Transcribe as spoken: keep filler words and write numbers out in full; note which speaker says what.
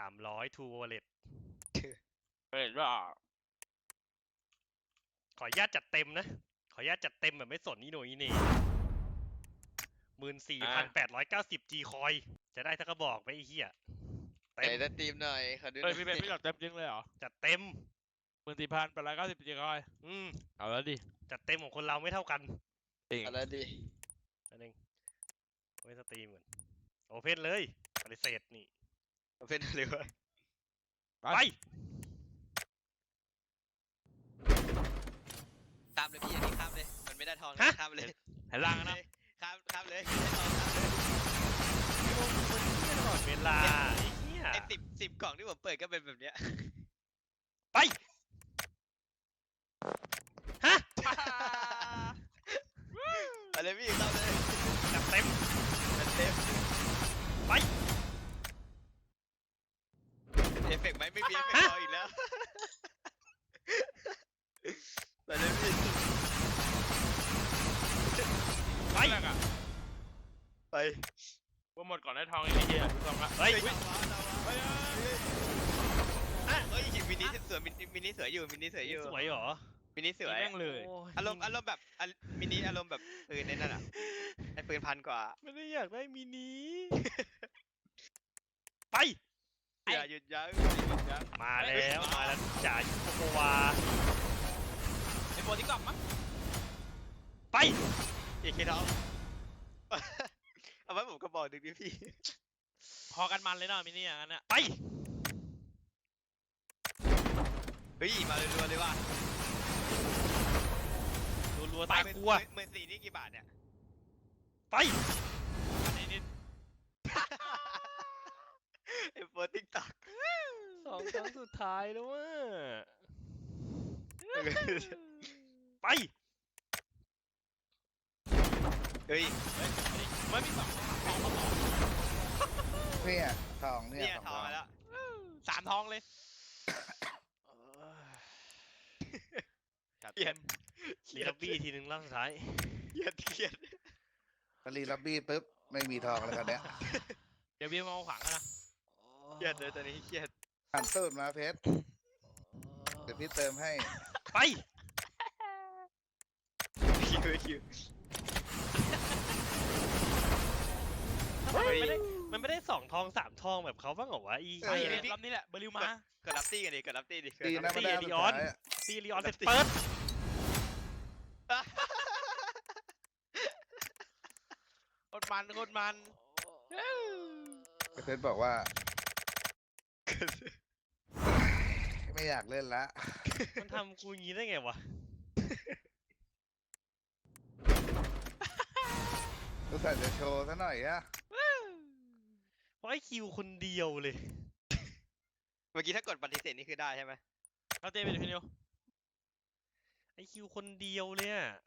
Speaker 1: ามร้อยทูวอลเล็ต
Speaker 2: เห็นว่า
Speaker 1: ขออนุญาตจัดเต็มนะ ขออนุญาตจัดเต็มแบบไม่สนนี่หน่อยนี่หมื่นสี่พันแปดร้อยเก้าสิบจีคอยจะได้สักกระบอกไหมไอ้เหี้ย
Speaker 3: ไหน
Speaker 1: เต็ม
Speaker 3: จะตีมหน่อยขอดูห
Speaker 2: เฮ้
Speaker 3: น่
Speaker 2: ย
Speaker 3: อย
Speaker 2: พี่เป็นพี่หลอดเต็มจริงเลยเหรอ
Speaker 1: จัดเต็ม
Speaker 2: หมื่นสี่พันแปดร้อยเก้าสิบจีคอย
Speaker 1: อืม
Speaker 2: เอาแล้วดิ
Speaker 1: จัดเต็มของคนเราไม่เท่ากัน
Speaker 2: จริง
Speaker 3: อะไรดี
Speaker 1: นั่นเองไม่สตรีมก่อนโอเพนเลย ปฏิเสธนี่
Speaker 3: เอาเป็นอะไรวะ
Speaker 1: ไป
Speaker 3: ข้ามเลยพี่อันนี้ข้ามเลยมันไม่ได้ทอง
Speaker 1: ฮะ
Speaker 3: ข้ามเลย
Speaker 2: เห็นล่างนะ
Speaker 3: ข้ามข้ามเลยไม่ได้ทองข้ามเลย
Speaker 1: ตลอดเวลาไอ้เหี้ย
Speaker 3: ไอ้สิบสิบกล่องที่ผมเปิดก็เป็นแบบเนี้ย
Speaker 1: ไป ฮะ
Speaker 3: เอะไรพี่เข้าเลย
Speaker 1: จัดเต็ม
Speaker 3: มันเต็ม
Speaker 1: ไป
Speaker 3: เอฟเฟกต์ไหมไม่มีเอฟเฟกต์รออีกแล้วไปเลยพี่
Speaker 1: ไป
Speaker 2: แรกอะ
Speaker 3: ไป
Speaker 2: ว่าหมดก่อนได้ทองไอ้เหี้ยถูกต้องละ
Speaker 1: เฮ้ย
Speaker 3: เฮ้ยเฮ้ยเฮ้ยมินิสวยมินิมินิสวยอยู่มินิสวยอยู่
Speaker 1: สวยเหรอ
Speaker 3: มินิสวย
Speaker 2: แม่งเลย
Speaker 1: โย
Speaker 3: อารมณ์อารมณ์แบบอันมินิอารมณ์แบบปืนในนั่นอ่ะไอ้ปืนพันกว่า
Speaker 1: ไม่ได้อยากได้มินิ ไป
Speaker 3: อย่าหยุดยั้งอย่าหยุดยั้ง
Speaker 1: มาแล้วมาแล้วจ่ายุโกวา
Speaker 2: ไอ้โปรที่กลับมั้ง
Speaker 1: ไป
Speaker 3: เอเคท้อง เอาไว้ผมก็บอกดึกดิพี่
Speaker 2: พอกันมันเลยเนาะมินี่อย่างนั้นอะ
Speaker 1: ไป
Speaker 3: เฮ้ยมาเลยรัวๆเลยว่ะ
Speaker 1: รัวๆตายกลัว
Speaker 3: หมื่นสี่นี่กี่บาทเนี่ย
Speaker 1: ไป
Speaker 2: อันนี้นิด
Speaker 3: ไอ้โปรติ๊กต็อก
Speaker 1: สองครั้งสุดท้ายแล้วว่ะไป
Speaker 3: เฮ้ย
Speaker 2: ไม่มีสองทองมาสอง
Speaker 4: เนี่ยทองเนี่
Speaker 3: เนี่ย ย
Speaker 4: สอง
Speaker 3: ทองมาแล้ว
Speaker 2: สามทองเลย
Speaker 3: เกลียด
Speaker 1: ลีลับบี้ทีหนึ่งรอบสุดท้าย
Speaker 3: เกลียดเกลียด
Speaker 4: กรีลับบี้ปุ๊บไม่มีทองแล้วกันเนี้ย
Speaker 2: เดี๋ยวพี่มาเอาขวางกันนะ
Speaker 3: เกลียดเลยตอนนี้เกลียด
Speaker 4: หันตูดมาเพชรเดี๋ยวพี่เติมให้
Speaker 1: ไป
Speaker 3: คิวคิว
Speaker 1: ทำไมมันไม่ได้มันไม่ได้สองทองสามทองแบบเขาบ้างเหรอวะอี
Speaker 2: ไอ้
Speaker 1: เหี้ย
Speaker 2: รอบนี้แหละเบอร์ลิวมา
Speaker 3: กดรับตี้กันดิกดรับตี้ดิ
Speaker 4: ดีนะไม่ได้
Speaker 1: ตี
Speaker 4: สุด
Speaker 1: ลีออน
Speaker 4: ท้ายอะ
Speaker 1: ตีลีออนเสร็จเปิด
Speaker 2: โคตรมันโคตรมัน
Speaker 4: เพชรบอกว่า ไม่อยากเล่นละ
Speaker 1: มันทำกูอย่างงี้ได้ไงวะ
Speaker 4: รู้สึกจะโชว์ซะหน่อยอะ
Speaker 1: เพราะไอคิวคนเดียวเลย
Speaker 3: เมื่อกี้ถ้ากดปฏิเสธนี่คือได้ใช่ไหม
Speaker 2: เราเต้ไปเดี๋ยวพี่นิว
Speaker 1: ไอคิวคนเดียวเลยอะ